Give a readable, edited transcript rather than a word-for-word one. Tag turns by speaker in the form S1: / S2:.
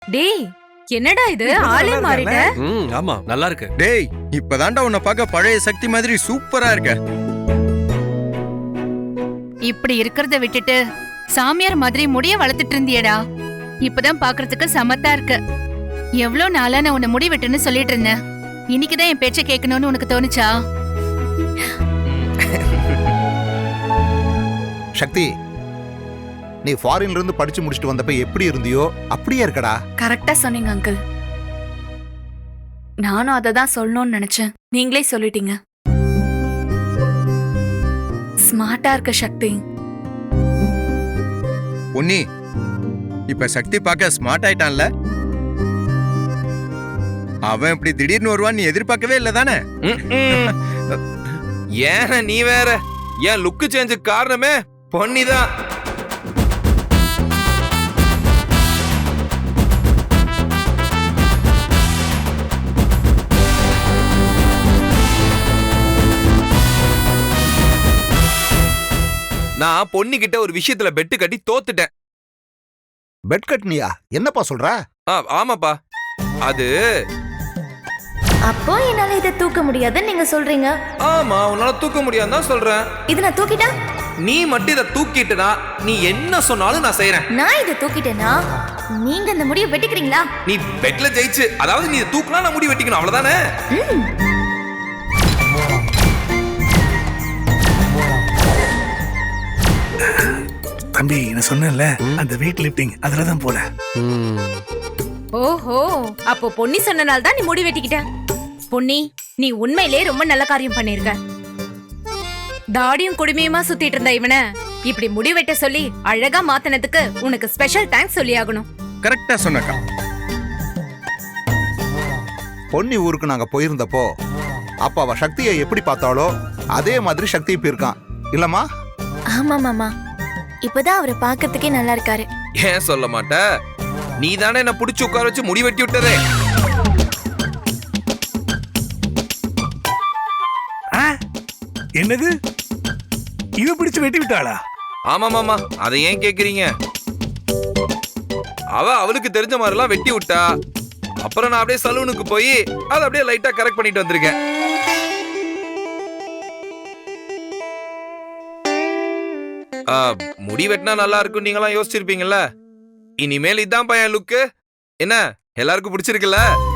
S1: டேய் என்னடா இது ஆளே மாறிட்ட.
S2: ஆமா நல்லா இருக்கு.
S3: டேய் இப்பதான்டா உன்னை பார்க்க பழைய சக்தி மாதிரி சூப்பரா இருக்க.
S4: இப்படி இருக்கிறத விட்டுட்டு சாமியார் மாதிரி முடிய வளர்த்துட்டு இருந்தியடா. இப்பதான் பாக்குறதுக்கு சமத்தா இருக்க. எவ்வளவு நாளா நான் உன்னை முடி வெட்டுன்னு சொல்லிட்டு இருந்தேன். இன்னைக்குதான் என் பேச்ச கேட்கணும்னு உனக்கு தோணுச்சா?
S5: சக்தி, நீ ஃபாரின்ல இருந்து படிச்சு முடிச்சுட்டு வந்தப்ப எப்படி இருந்தியோ அப்படியே இருக்கடா.
S6: கரெக்டா சொன்னீங்க அங்கிள். நானும் அதை தான் சொல்லணும்னு நினைச்சேன், நீங்களே சொல்லிட்டீங்க. ஸ்மார்ட்டா இருக்க சக்தி.
S3: பொன்னி இப்ப சக்தி பார்க்க ஸ்மார்ட் ஆயிட்டான்ல. அவன் இப்படி திடீர்னு வருவான் நீ எதிர்பார்க்கவே இல்ல தானே?
S7: ஏன் நீ வேற, ஏன் லுக்கு சேஞ்சு காரணமே பொன்னிதான். நான் பொன்னி கிட்ட ஒரு விஷயத்துல பெட்டு கட்டி தோத்துட்டேன்.
S5: பெட் கட்னியா? என்னப்பா சொல்ற?
S7: ஆமாப்பா. அது
S8: அப்போ என்னால இதை தூக்க முடியாதுன்னு நீங்க சொல்றீங்க.
S7: ஆமா, உன்னால தூக்க முடியாதுன்னு தான் சொல்றேன்.
S8: இதை நான் தூக்கிட்டா?
S7: நீ மட்டும் இதை தூக்கிட்டுனா நீ என்ன சொன்னாலும் நான் செய்யறேன்.
S8: நான் இதை தூக்கிட்டேனா நீங்க இந்த முடியை வெட்டிக்கிறீங்களா?
S7: நீ பெட்ல ஜெயிச்சு, அதாவது நீ தூக்கினா நான் முடி வெட்டிக்கணும், அவ்வளவுதானே?
S9: தம்பி நான் சொன்னேன்ல அந்த வெயிட் லிஃப்டிங் அதுலதான் போல.
S1: ஓஹோ, அப்போ பொன்னி சொன்னனால தான் நீ முடி வெட்டிக்கிட்ட. பொன்னி, நீ உண்மையிலே ரொம்ப நல்ல காரியம் பண்ணிருக்க. தாடியும் குடுமையுமா சுத்திட்டு இருந்த இவனை இப்படி முடி வெட்ட சொல்லி அழகா மாத்தினதுக்கு உனக்கு ஸ்பெஷல் தேங்க்ஸ் சொல்லி ஆகணும்.
S3: கரெக்டா சொன்னக்கா.
S5: பொன்னி ஊருக்கு நாங்க போயிருந்தப்போ அப்ப அவ சக்தியை எப்படி பார்த்தாலோ அதே மாதிரி சக்தி இப்ப இருக்கான் இல்லம்மா?
S8: ஆமா மாமா, இப்பதான் அவரை பார்க்கறதுக்கே நல்லா இருக்காரு.
S7: ஏன் சொல்ல மாட்ட? நீ தானே என்ன புடிச்சு உட்கார வச்சு முடி வெட்டி விட்டதே.
S9: என்னது, இவ பிடிச்சு வெட்டி விட்டாளா?
S7: ஆமா மாமா, அதை ஏன் கேக்குறீங்க? அவளுக்கு தெரிஞ்ச மாதிரிலாம் வெட்டி விட்டா. அப்புறம் நான் அப்படியே சலூனுக்கு போய் அதை அப்படியே லைட்டா கரெக்ட் பண்ணிட்டு வந்திருக்கேன். முடி வெட்டினா நல்லா இருக்கும் நீங்களாம் யோசிச்சிருப்பீங்கல்ல. இனிமேல் இதான் பையன் லுக்கு. என்ன எல்லாருக்கும் பிடிச்சிருக்குல்ல?